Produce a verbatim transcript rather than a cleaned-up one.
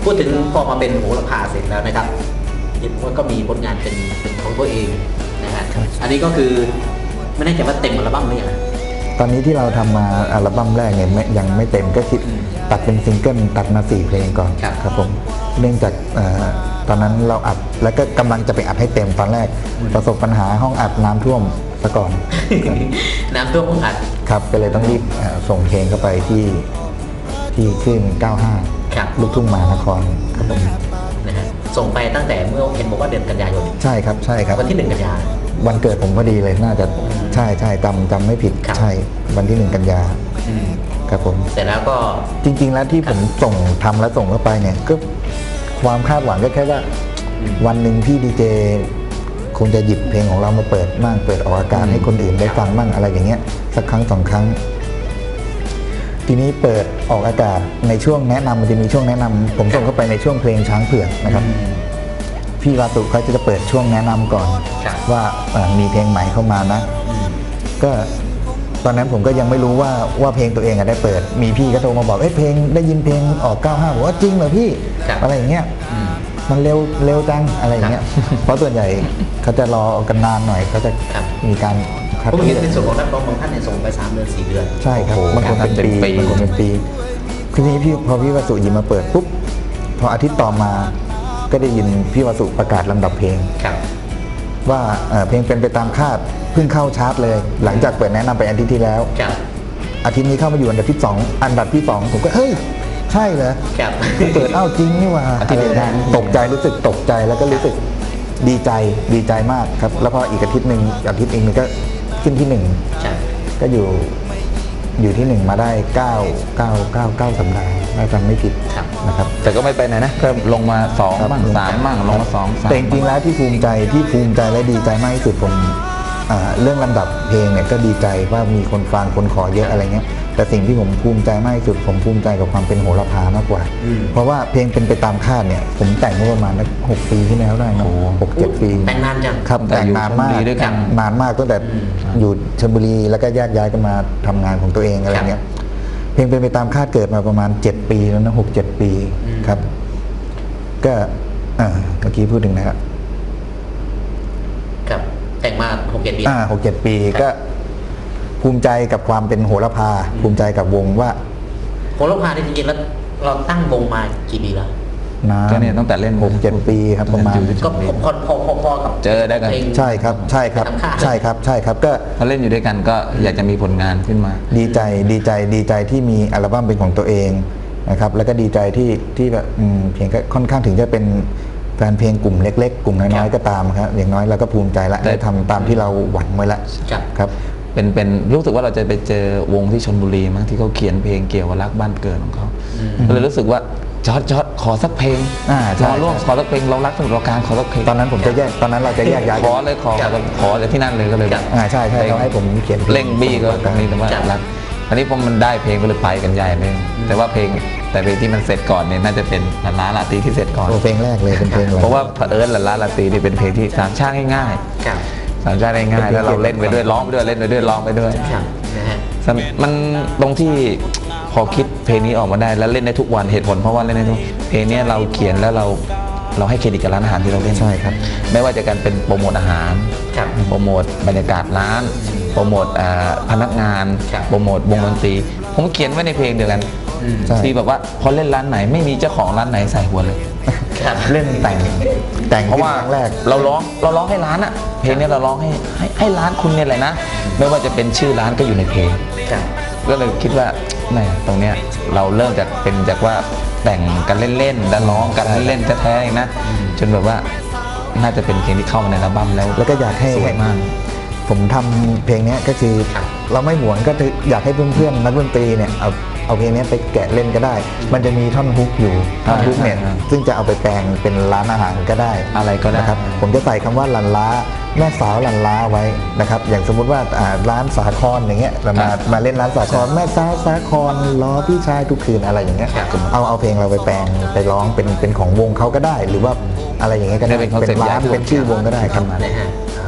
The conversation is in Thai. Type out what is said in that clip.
พูดถึงพอมาเป็นโหระพาเสร็จแล้วนะครับเห็นว่าก็มีผลงานเป็นเป็นของตัวเองนะฮะอันนี้ก็คือไม่แน่ใจว่าเต็มอัลบั้มหรือยังตอนนี้ที่เราทำมาอัลบั้มแรกเนี่ยยังไม่เต็มก็คิดตัดเป็นซิงเกิลตัดมาสี่เพลงก่อนครับผมเนื่องจากตอนนั้นเราอัดแล้วก็กำลังจะไปอัดให้เต็มตอนแรกประสบปัญหาห้องอัดน้ำท่วมซะก่อนน้ำท่วมห้องอัดครับก็เลยต้องรีบส่งเพลงเข้าไปที่ที่ขึ้นเก้าห้าลูกทุ่งมหานครครับผมนะฮะส่งไปตั้งแต่เมื่อเห็นบอกว่าเดือนกันยายนใช่ครับใช่ครับวันที่หนึ่งกันยาวันเกิดผมพอดีเลยน่าจะใช่ใช่จำจำไม่ผิดใช่วันที่หนึ่งกันยาครับผมเสร็จแล้วก็จริงๆแล้วที่ผมส่งทำแล้วส่งเข้าไปเนี่ยก็ความคาดหวังก็แค่ว่าวันหนึ่งพี่ดีเจคงจะหยิบเพลงของเรามาเปิดมั่งเปิดออกอากาศให้คนอื่นได้ฟังมั่งอะไรอย่างเงี้ยสักครั้งสองครั้งทีนี้เปิดออกอากาศในช่วงแนะนำมันจะมีช่วงแนะนำผมส่งเข้าไปในช่วงเพลงช้างเผือกนะครับพี่วาตุเขาจะเปิดช่วงแนะนำก่อนว่ามีเพลงใหม่เข้ามานะก็ตอนนั้นผมก็ยังไม่รู้ว่าว่าเพลงตัวเองได้เปิดมีพี่ก็โทรมาบอกเอ้ยเพลงได้ยินเพลงออกเก้าห้าบอกว่าจริงเหรอพี่อะไรอย่างเงี้ยมันเร็วเร็วจังอะไรอย่างเงี้ยเพราะส่วนใหญ่เขาจะรอกันนานหน่อยเขาจะมีการผมเห็นในส่วนของนักร้องบางท่านเนี่ยส่งไปสามเดือนสี่เดือนใช่ครับบางคนเป็นปีบางคนเป็นปีทีนี้พี่พอพี่วสุหยิบมาเปิดปุ๊บพออาทิตย์ต่อมาก็ได้ยินพี่วสุประกาศลำดับเพลงว่าเพลงเป็นไปตามคาดเพิ่งเข้าชาร์ตเลยหลังจากเปิดแนะนำไปอาทิตย์ที่แล้วอาทิตย์นี้เข้ามาอยู่อันดับที่สองอันดับที่สองผมก็เฮ้ยใช่เหรอเปิดเอ้าจริงนี่ว่าตกใจรู้สึกตกใจแล้วก็รู้สึกดีใจดีใจมากครับแล้วพออีกอาทิตย์หนึ่งอาทิตย์เองมันก็ขึ้นที่หนึ่งก็อยู่อยู่ที่หนึ่งมาได้เก้าเก้าเก้าเก้าสัปดาห์ถ้าจำไม่ผิดนะครับแต่ก็ไม่ไปไหนนะก็ลงมาสองบ้างสามบ้างลงมาสองแต่จริงๆแล้วที่ภูมิใจที่ภูมิใจและดีใจมากที่สุดผมเรื่องลำดับเพลงเนี่ยก็ดีใจว่ามีคนฟังคนขอเยอะอะไรเงี้ยแต่สิ่งที่ผมภูมิใจมากที่สุดผมภูมิใจกับความเป็นโหระพามากกว่าเพราะว่าเพลงเป็นไปตามคาดเนี่ยผมแต่งเมื่อประมาณหกปีที่แล้วได้นะหกเจ็ดปีแต่งนานจังครับแต่งนานมากนานมากตั้งแต่อยู่ชลบุรีแล้วก็แยกย้ายกันมาทำงานของตัวเองอะไรเงี้ยเพลงเป็นไปตามคาดเกิดมาประมาณเจ็ดปีแล้วนะหกเจ็ดปีครับก็เมื่อกี้พูดถึงนะครับครับแต่งมาหกเจ็ดปีอ่าหกเจ็ดปีก็ภูมิใจกับความเป็นโหระพาภูมิใจกับวงว่าโหระพาจริงๆแล้วเราตั้งวงมากี่ปีแล้วก็เนี่ยตั้งแต่เล่นหกเจ็ดปีครับประมาณก็พอพอพอพอกับเจอได้กันใช่ครับใช่ครับใช่ครับใช่ครับก็พอเล่นอยู่ด้วยกันก็อยากจะมีผลงานขึ้นมาดีใจดีใจดีใจที่มีอัลบั้มเป็นของตัวเองนะครับแล้วก็ดีใจที่ที่แบบเพลงก็ค่อนข้างถึงจะเป็นแฟนเพลงกลุ่มเล็กๆกลุ่มน้อยๆก็ตามครับอย่างน้อยเราก็ภูมิใจละได้ทำตามที่เราหวังไว้ละครับเป็นเป็นรู้สึกว่าเราจะไปเจอวงที่ชลบุรีมั้งที่เขาเขียนเพลงเกี่ยวกับรักบ้านเกิดของเขาเลยรู้สึกว่าจอดจอดขอสักเพลงขอร่วมขอสักเพลงเรารักสมุทรปราการขอสักเพลงตอนนั้นผมจะแยกตอนนั้นเราจะแยกย้ายขอเลยขอขอจากที่นั่นเลยก็เลยอ่าใช่ใช่เขาให้ผมเขียนเร่งบี้ก็ตรงนี้แต่ว่ารักอันนี้พอมันได้เพลงก็เลยไปกันใหญ่เลยแต่ว่าเพลงแต่เพลงที่มันเสร็จก่อนเนี่ยน่าจะเป็นลาลาลาตีที่เสร็จก่อนเพลงแรกเลยเป็นเพลงเพราะว่าเอิร์ธลาลาลาตีนี่เป็นเพลงที่สามชาติง่ายๆสามชาติง่ายๆแล้วเราเล่นไปด้วยร้องไปด้วยเล่นไปด้วยร้องไปด้วยมันตรงที่พอคิดเพลงนี้ออกมาได้แล้วเล่นได้ทุกวันเหตุผลเพราะว่าเล่นได้ทุกเพลงนี้เราเขียนแล้วเราเราให้เครดิตกับร้านอาหารที่เราเล่นใช่ครับไม่ว่าจะการเป็นโปรโมทอาหารโปรโมทบรรยากาศร้านโปรโมทพนักงานโปรโมทวงดนตรีผมเขียนไว้ในเพลงเดียวกันที่แบบว่าพอเล่นร้านไหนไม่มีเจ้าของร้านไหนใส่หัวเลยเล่นแต่งแต่งเพราะว่าแรกเราร้องเราร้องให้ร้านอะเพลงนี้เราร้องให้ให้ให้ร้านคุณเนี่ยแหละนะไม่ว่าจะเป็นชื่อร้านก็อยู่ในเพลงก็เลยคิดว่าแหมตรงเนี้ยเราเริ่มจากเป็นจากว่าแต่งกันเล่นๆแล้วร้องกันเล่นๆแท้ๆนะจนแบบว่าน่าจะเป็นเพลงที่เข้ามาในอัลบั้มแล้วแล้วก็อยากให้สวยมากผมทำเพลงนี้ก็คือเราไม่หวงก็อยากให้เพื่อนๆนักดนตรีเนี่ยเอาเอาเพลงนี้ไปแกะเล่นก็ได้มันจะมีท่อนฮุกอยู่ท่อนฮุกเนี่ยซึ่งจะเอาไปแปลงเป็นร้านอาหารก็ได้อะไรก็ได้ครับผมจะใส่คำว่าลันล้าแม่สาวลันล้าไว้นะครับอย่างสมมุติว่าร้านสาครอย่างเงี้ยเรามามาเล่นร้านสาครแม่สาวสาครล้อพี่ชายทุกคืนอะไรอย่างเงี้ยเอาเอาเพลงเราไปแปลงไปร้องเป็นเป็นของวงเขาก็ได้หรือว่าอะไรอย่างเงี้ยก็ได้เป็นร้านเป็นชื่อวงก็ได้ครับ